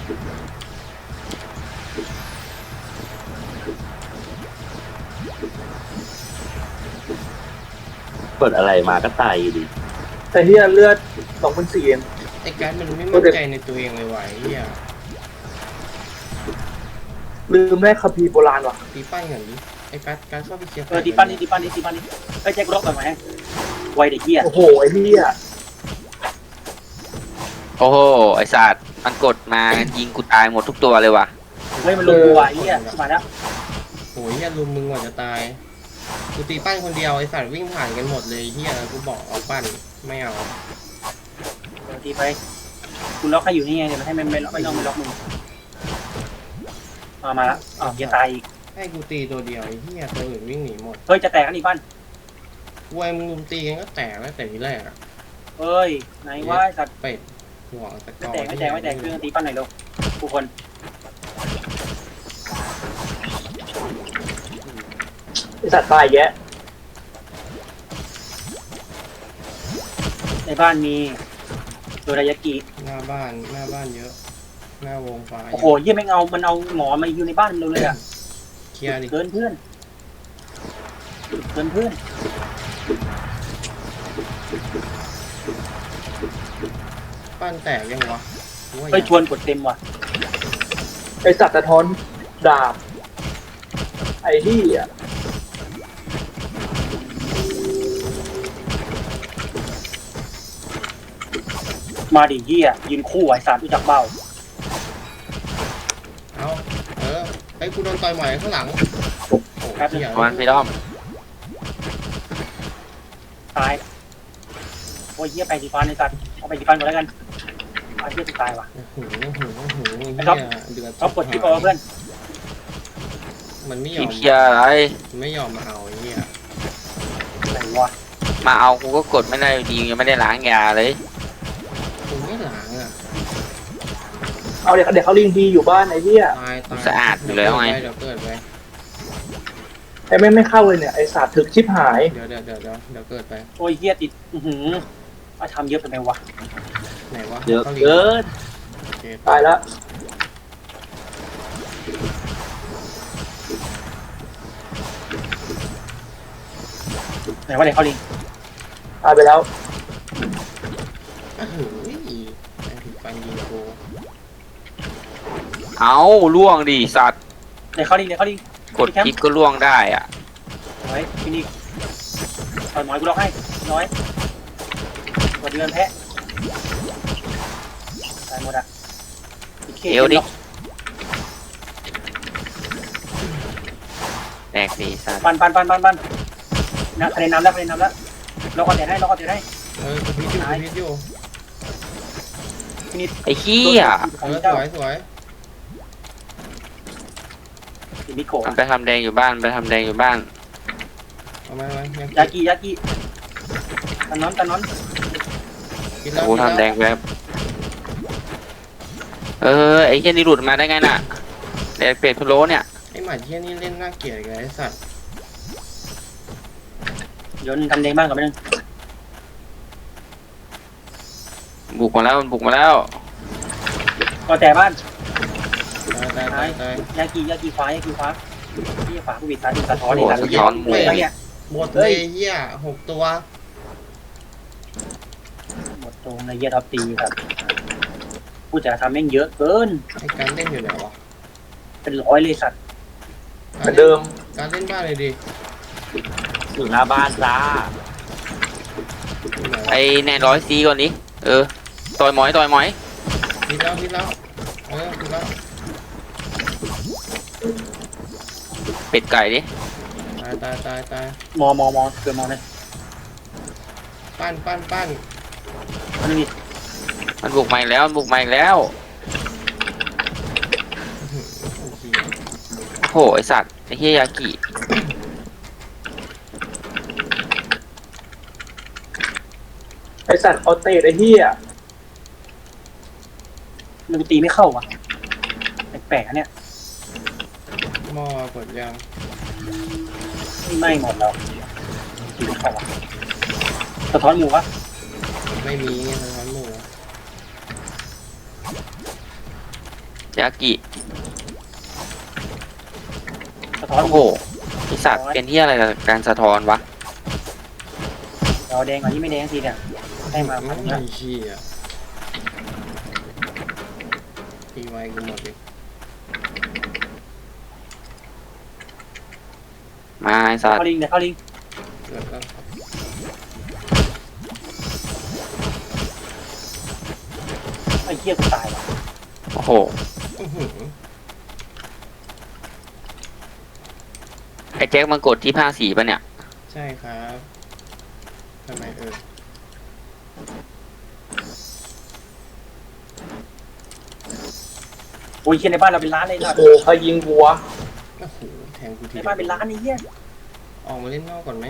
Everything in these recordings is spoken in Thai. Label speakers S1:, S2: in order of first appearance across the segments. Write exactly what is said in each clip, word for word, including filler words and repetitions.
S1: เปิดอะไรมาก็ตายอยู่ดี
S2: แต่เฮียเลือดสองพันสี่เอง
S3: ไอ้การมันไม่มั่นใจในตัวเองเลยว่ะไอ้เหี้ย
S2: ลืมได้คัมภีร์โบราณว่ะ
S3: ตีปั้นอย่างนี้ไอ้การการเข้าไปเคลียร์
S4: เออตีปั้นนี่ตีปั้นนี่ตีปั้นนี่ไอ้แจ็คร็อกแบบไหนไวเด็กเหี้ย
S2: โอ้โหไอ้เฮีย
S5: โอ้โหไอ้สัตว์มันกดมายิงกูตายหมดทุกตัวเลยว่ะ
S4: เฮ้ยมันลงกูว่ะไอ้เหี้ยมาแล้ว
S3: โอ้ยเหี้ยลุมมึงกว่าจะตายกูตีปั้นคนเดียวไอ้สัตว์วิ่งผ่านกันหมดเลยเหี้ยกูบอกเอาปั้นไม่เอา
S4: เดี๋ยวตีไปคุณล็อกให้อยู่นี่ไงเดี๋ยวมันให้ไม่ไม่ล็อกไม่ต้องไม่ล็อกมึงมามาแล้วอ๋อจะตายอีก
S3: ให้กูตีตัวเดียวไอ้เหี้ยตัวอื่นวิ่งหนีหมด
S4: เฮ้ยจะแตกกันอีกบ้าน
S3: วายมึงลุมตีกันก็แตกแล้วแต่ทีแรกอะ
S4: เฮ้ยไหนว่าสัตว์
S3: เป็ดหัวตะกอ
S4: ไม่แตกไม่แตกไม่แตกเพื่อนตีปั้นหน่อยเร็วทุกคน
S2: ไอสัตว์ตายแยะ
S4: ในบ้านมีโดรายากิ
S3: หน้าบ้านหน้าบ้านเยอะหน้าวงฟ้า
S4: โอ้โหเยี่ยไม่เอามันเอาหมอมาอยู่ในบ้านเราเลยอะ
S3: เคลียร์ดิ
S4: เกินเพื่อนเกินเพื่อน
S3: ปั้นแตกยังวะ
S4: ไปชวนกดเต็มว่ะ
S2: ไอสัตว์สะท้อนดาบไอ้เฮีย
S4: มาดิเหี้ยยืนคู่ไอ้สารรู้จักเบ้า
S3: เอาเออไอ้กูโดนต่อยหมอยข้างหลัง
S4: ครับ
S5: วันพี่ด้อม
S4: ตายโอ้ยเหี้ยไปดีฟันไอ้สัตว์เอาไปดีฟันก่อนแล้วกันไอ้เหี้ยจะตายว่ะ
S3: โอ้โหโอ้โหโอ้โหเ
S4: หี้ยเดือดเขากดที่บอลเพื่อน
S3: มันไม่ยอม
S5: เคลียร์อะไร
S3: ไม่ยอมมาเอาไอ้เหี้ย
S4: อะไรวะ
S5: มาเอากูก็กดไม่ได้ดียังไม่ได้ล้างยาเลย
S3: กูไม่ล้างอ่ะ
S2: เอาเดี๋ยวเดี๋ยวเขาลิงดีอยู่บ้านไอ้เหี้ย
S5: สะอาดอยู่แล้วไง
S3: เดี๋ยวเกิดไป
S2: ไอ้ไม่ไม่เข้าเลยเนี่ยไอ้สัตว์ถึกชิบหาย
S3: เดี๋ยวเดี๋ยวเดี๋ยวเดี๋ยวเกิดไป
S4: โอ้ยเหี้ยติดอือหือมาทำเยอะไปไหมวะ
S3: ไหนวะ
S1: เยอะเกิน
S2: ตายแล้ว
S4: ไหนว่าไหนเขาลิง
S2: ตายไปแล้ว
S3: โอ้โหไอ้ผิดฟันยิงกู
S5: เอาล่วงดิสัตว์
S4: ไหนเขาลิงไหนเขาลิง
S5: กดคลิกก็ล่วงได้อ่ะ
S4: ไว้พี่นี่ต่อยหมอยกูล็อกให้น้อยกดเดือนแพะตายหมดอ่ะ
S5: เอวดิแตกสิสัตว์
S4: ปันปันปันปันปันนะคะแนนนำแล้วคะแนนนำแล้วเราก็เตะให้เราก็เตะให้
S3: เออพิษอยู่พิษอยู่
S5: ไอ้ขี้อ่ะ
S3: เออสวยสวย
S5: ไปทำแดงอยู่บ้านไปทำแดงอยู่บ้าน
S3: เอามาย
S4: ากิยากิตะนอนตะนอน
S5: กูทำแดงแบบเออไอ้เหี้ยนี่หลุดมาได้ไงน่ะแดงเป็ดพะโล้เนี่ย
S3: ไอ้หมาเหี้ยนี่เล่นน่าเกลียดไงไอ้สัตว์
S4: เดี๋ยวนึงทำแดงบ้างกับนึง
S5: บุกมาแล้วมันบุกมาแล้ว
S4: ก็แต่บ้าน
S3: ตายตายตาย
S4: ยากิยากิฟ้ายากิฟ้าที่ฝาผู้วิสาสะท้อนนี่สะ
S5: ท้อนหมด
S4: เนี่ย
S3: หมดเลยเหี้ยหกตัว
S4: หมดตรงในเยียท็อปตีครับผู้จัดทำแม่งเยอะเกิน
S3: ไอ้การเล่นอยู่ไหนวะ
S4: เป็นร้อยเลยสัตว์
S2: เหมือนเดิม
S3: การเล่นบ้านเลยดิ
S1: อยู่หน้าบ้านจ้า
S5: ไอ้แน่ร้อยซีก่อนนี้เออต่อยหมอยต่อยหมอย
S3: พิษแล้วพิษแล้วเออพิษแล้ว
S5: เป็ดไก่ดิ
S3: ตายตายตายตาย
S4: มอมอมอเกินมอเลย
S3: ปั้นปั้นปั้น
S4: มันนี่
S5: มันบุกใหม่แล้วบุกใหม่แล้วโหไอสัตว์ไอเฮียยากิ
S2: ไอสัตว์ออเตตไอเฮีย
S4: มันตีไม่เข้าว่ะแปลกๆเนี่ย
S3: หม้อกดยัง
S4: นี่ไม่หมดแล้วตีไม่เข้าว่ะสะท้อนหมูวะ
S3: ไม่มีสะท้อนหมู
S5: ยากิ
S4: สะท้อน
S5: โอ้โหไอสัตว์เป็นที่อะไรกับการสะท้อนวะ
S4: เดี๋ยวแดงก่อนที่ไม่แดงทีเนี่ยให้มาพัน
S3: ไอ้
S4: เนี้ย
S3: เหี้ยตีไวกูหมดเลย
S5: มาไอสัตว์
S4: เข้าลิงเดี๋ยวเข้าลิง
S3: เกิดแล้ว
S4: ไอ้เหี้ยกูตายว่ะ
S5: โอ้โห
S3: อื้อหือ
S5: ไอแจ็คมันกดที่ผ้าสีปะเนี่ย
S3: ใช่ครับทำไมเออ
S4: โอ้ยเหี้ยในบ้านเราเป็นล้านเลยนะ
S2: โอ้ใครยิงวัว
S3: โอ้โหแทงกูที
S4: ในบ้านเป็นล้านไอ้เหี้ย
S3: ออกมาเล่นนอกก่อนไหม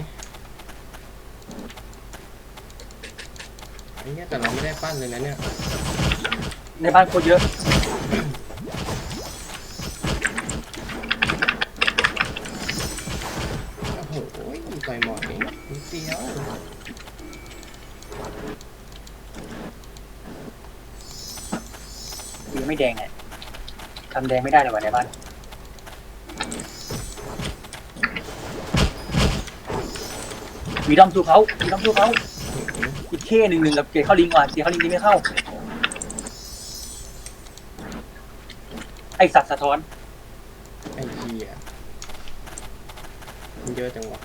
S3: ไอ้เหี้ยแต่เราไม่ได้ปั้นเลยนะเนี่ย
S4: ในบ้านโคตรเยอะ
S3: โอ้โหต่อยหมอยนิดเดียว
S4: กูยังไม่แดงไงทำแดงไม่ได้เลยว่ะในบ้านมีดอมสู้เขามีดอมสู้เขาอีกเคหนึ่งหนึ่งกับเกตเข้าลิงว่ะเกตเข้าลิงนี่ไม่เข้าไอสัตว์สะท้อน
S3: ไอ้เหี้ยมันเยอะจังวะ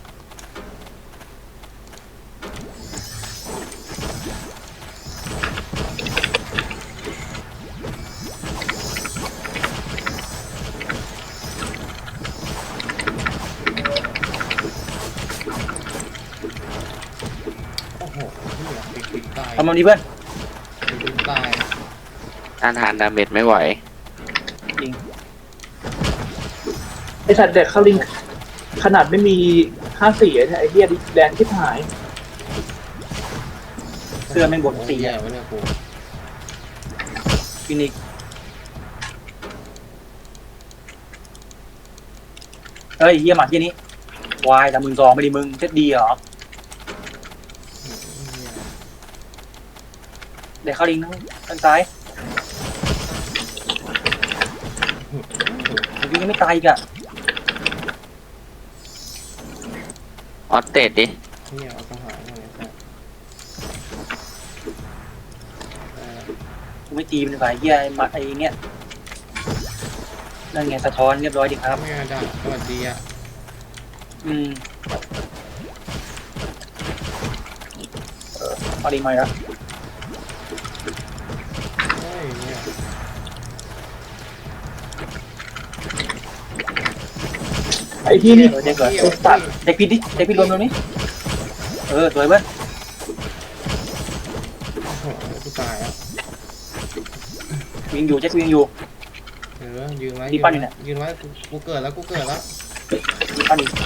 S3: โอ้โหเหี้ยปิดปิดตาย
S4: ทำมันดีเพื่อน
S3: ปิดปิดตาย
S5: ต้านทานดาเมจไม่ไหว
S4: จริง
S2: ไอสัตว์เด็กเข้าลิงขนาดไม่มีห้าสี่เนี่ยไอเหี้ยแดงที่หาย
S4: เสื้อแม่งบดสี
S3: เหี้ย
S4: อะ
S3: วะเนี่ยกู
S4: ฟินิกซ์เฮ้ยเฮียหมาที่นี้วายแต่มึงซองไม่ดีมึงเซ็ตดีเหรอ
S3: เหี้ย
S4: เดี๋ยวเข้าลิงทั้งทั้งซ้ายลิงยังไม่ตายอีกอะ
S5: ออสเตดดิ
S3: เหี้ยเอาสังหารมาเลยครับเออ
S4: กูไม่ตีมันดีกว่าไอ้เฮียไอ้หมาไอ้เงี้ยนั่นไงสะท้อนเรียบร้อยดีครับ
S3: ไม่เอาด่าสวัสดีอ่ะ
S4: อืมเออเข้าลิงมาแล้ว
S3: เฮ้ยเนี่ย
S2: ไอที่นี่
S4: เออเด็กเกิด
S3: หี้ย
S2: ไอ้สัตว์
S4: เด็กพิดดิเด็กพิดรวมตรงนี้เออสวยเว้ย
S3: โอ้โหกูตายอ่ะ
S4: วิ่งอยู่เจ็ควิ่งอยู่
S3: เออยืนไว้
S4: ที่
S3: ยืน
S4: ปั้น
S3: ไว้
S4: อยู่เนี่ย
S3: ยืนไว้กูกูเกิดแล้วกูเกิดแล้ว
S4: ตีปั้นอยู่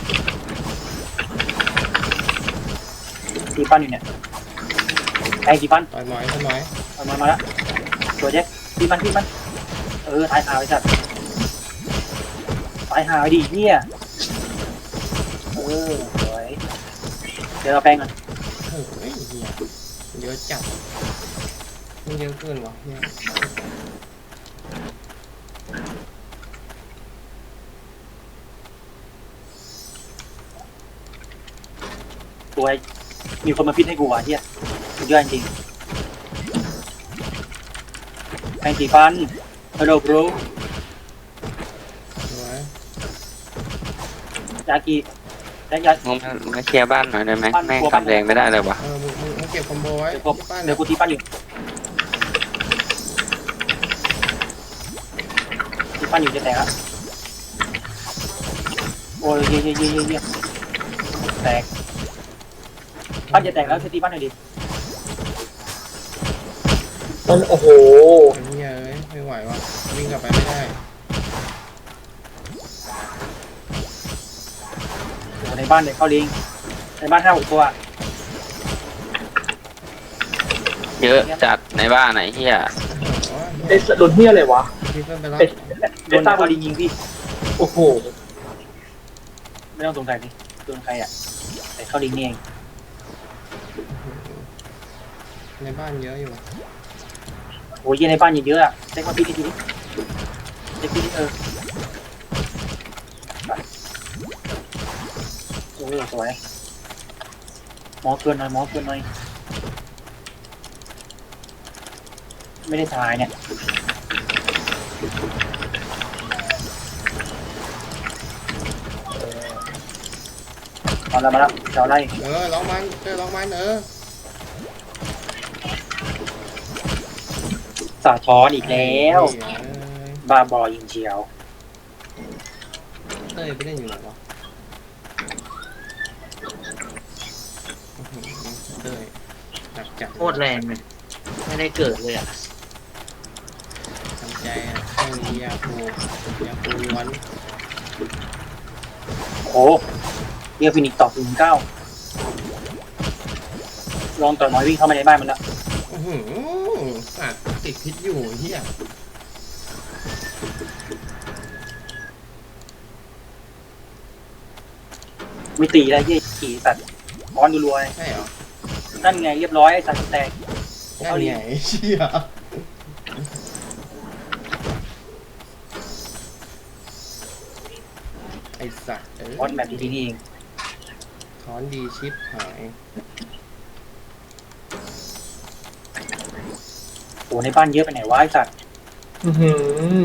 S4: ตีปั้นอยู่เนี่ยไอ้ตีปั้น
S3: ต่อยหมอยต่อยหมอย
S4: เอามามาแล้วสวยเจ็คตีปั้นตีปั้นเออตายหาไปจัดตายหาไปดิเนี่ยเออสวยเดี๋ยวเราแปลงกัน
S3: เฮ้ยเหี้ยเยอะจัดมันเยอะเกินวะเหี้ย
S4: ตัวไอ้มีคนมาพิดให้กูว่ะเฮียสุดยอดจริงแปลงตีปั้นฮัลโหลบรู
S3: สวย
S4: ยากิแล้ยา
S5: มึงมามาเคลียร์บ้านหน่อยได้ไหม
S4: บ้าน
S5: แม่ง
S4: กลัวบ้าน
S5: ทำแรงไม่ได้เลยวะ
S3: เออมึงมึงมึงเก็บคอมโบไว้
S4: เดี๋ยวกู
S3: ที่ปั้น
S4: เดี๋ยวกูตีปั้นอยู่ตีปั้นอยู่จะแตกละโอ้ยเยี่ยเยี่ยเยี่ยเยี่ยเยี่ยแตกปั้นจะแตกแล้วตีปั้นหน่อยดิ
S2: มันโอ้โห
S3: ไอ้เหี้ยเอ้ยไม่ไหววะวิ่งกลับไปไม่ได้
S4: โอ้ในบ้านเด็กเข้าลิงในบ้านห้าหกตัว
S5: เยอะจัดในบ้านไหนเฮีย
S3: โอ้โห
S2: ไอสัตว์โดนเหี้ยอะไรวะ
S3: พี่เพิ่มไปแล้ว
S2: ไอ
S4: โดนเข้าลิงยิงพี่
S2: โอ้โห
S4: ไม่ต้องสงสัยดิโดนใครอ่ะแต่เข้าลิงนี่เอง
S3: ในบ้านเยอะอยู่
S4: โอ้ยเยี่ยในบ้านยิงเยอะอ่ะเช็คมาพี่ทีนี้เด็กที่นี่เออโอ้ยสวยหมอเกินหน่อยหมอเกินหน่อยไม่ได้ทายเนี่ยเอาละมาแล้วเจ้าไล่
S3: เออร้องมันเออร้องมันเออ
S4: สาท้อนอีกแล้ว
S3: เฮ้ยเอ้ย
S4: บาบอยิงเชียว
S3: เต้ยไปเล่นอยู่ไหนวะอื้อหือเต้ยหนักจัด
S6: โคตรแรงเลยไม่ได้เกิดเลยอ่ะ
S3: ทำใจอ่ะไม่มียาคูยาคูล้วน
S4: โอ้เรียกฟินิกซ์ตอบถึงเก้าลองต่อยน้อยวิ่งเข้ามาในบ้านมันแล้ว
S3: อื้อหือสัตว์ติดพิษอยู่เฮีย
S4: ไม่ตีแล้วยี่ขี่สัตว์ร้อนรัวๆเลย
S3: ใช่เหรอ
S4: นั่นไงเรียบร้อยไอ้สัตว์แตก
S3: นั่นไงเชี่ยไอสัตว์เออ
S4: ร้อนแบบที่นี่เอง
S3: ถอนดีชิปหาย
S4: โอ้ในบ้านเยอะไปไหนวะไอ้สัตว์
S2: อือหือ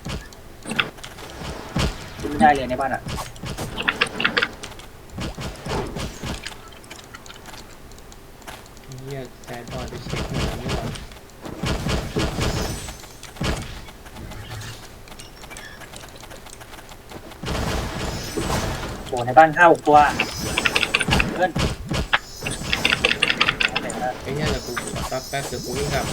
S4: ขึ้นไม่ได้เลยในบ้านอ่ะ
S3: เฮียใจบอลไปเช็คหน่อยไม่หรอ
S4: โอ้ในบ้านห้าหกตัวเพื่อนเอาไหนนะ
S3: ไอ้เฮียเดี๋ยวกูแป๊บแป๊บเดี๋ยวกูวิ่งกลับ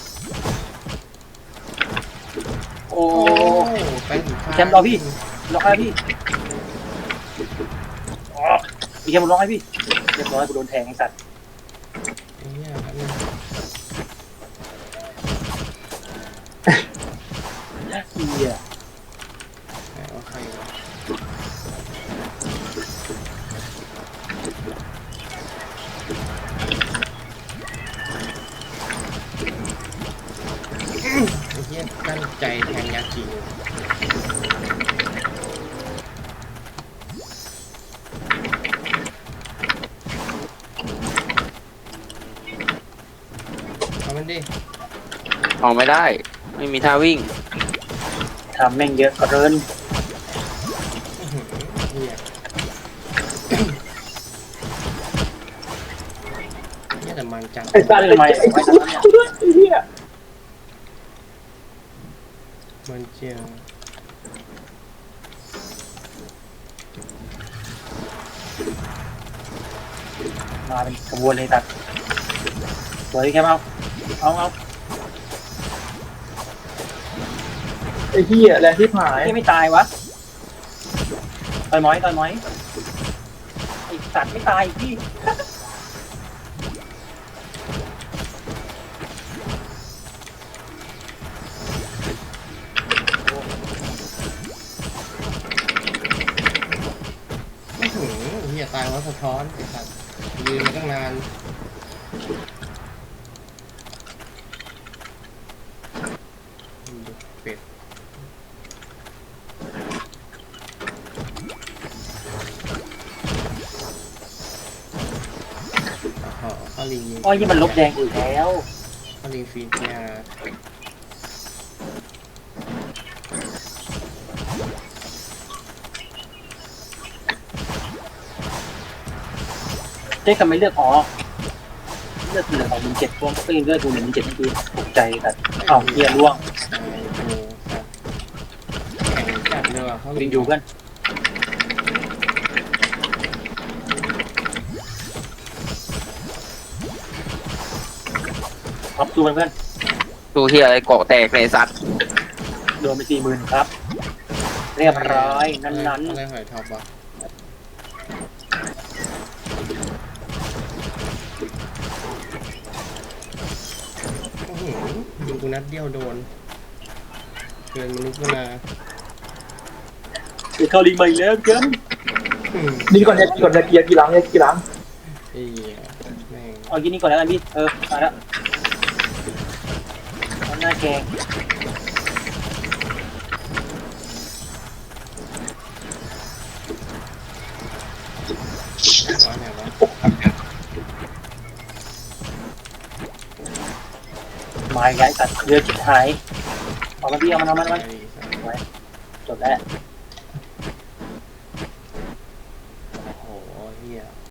S4: โอ้
S3: โอ้ไปถึง
S4: แชมป์รอพี่ ล็อกให้พี่อ๋อมีแค่มันล็อกให้พี่เรียบร้อยกูโดนแทงไอ้สัตว์
S3: ไอ้เฮียแป๊บนึง
S4: เหี้ย
S3: ไหนว่าใครวะไอ้เฮียตั้งใจแทงยาจีเอามันดิ
S5: ออกไม่ได้ ไม่มีท่าวิ่ง
S4: ทำแม่งเยอะกระเริน
S3: อื้อหือเฮียเฮียแต่มันจัง
S2: ไอ้สัตว์
S4: ทำไมไว้ตรงนั้นเนี่ย
S2: ด้วยไอ้เหี้ย
S3: มันเจียง
S4: มาเป็นขบวนเลยสัตว์สวยแค่เอาเอาเอา
S2: ไอ้เหี้ยแรงที่หาย
S4: ที่ไม่ตายวะต่อยหมอยต่อยหมอยไอสัตว์ไม่ตายอีกพี่
S3: ไม่ถึงเฮียตายเพราะสะท้อนไอ้สัตว์ยืนมาตั้งนานดูเป็ดอ๋อข้าวลิง
S4: อ้อยยี่มันลบแดงอีกแล้ว
S3: ข้าวลิงฟีนเนี่ย
S4: เจ๊ทำไมเลือกอ๋อเลือกเหลือของมึงเจ็ดพวงก็ยังเลือกกูหนึ่งมึงเจ็ดเมื่อกี้ตกใจแต่เอ้าเฮียร่วง
S3: โอ้โหสัตว์แข่งจัดเลยว่ะข้าวลิ
S4: ยิ
S3: ง
S4: งอยู่เพื่อนท็อปสู้เพื่อน
S5: ดูที่อะไรเกาะแตกเลยสัตว์
S4: โดนไปสี่หมื่นครับ เรียบร้อยนั้น
S3: อะไรหอยท็อปวะโอ้โหยิงกูนัดเดียวโดนเกินมนุษย์มนา
S4: ๆเดี๋ยวเข้าลิงมาอีกแล้วเกิน
S3: อืม
S2: นี่ก่อนเนี่ยก่อนจะเกียร์กี่หลังเนี่ยกี่หลัง
S3: ไอ้เหี้ยแม่ง
S4: เอากินนี่ก่อนแล้วกันพี่เออมาแล้วเอาหน้าแกงมาอีกแล้วไอ้สัตว์เรือจิตหายเอามาพี่เอามันเอามันเอามันจบแล้ว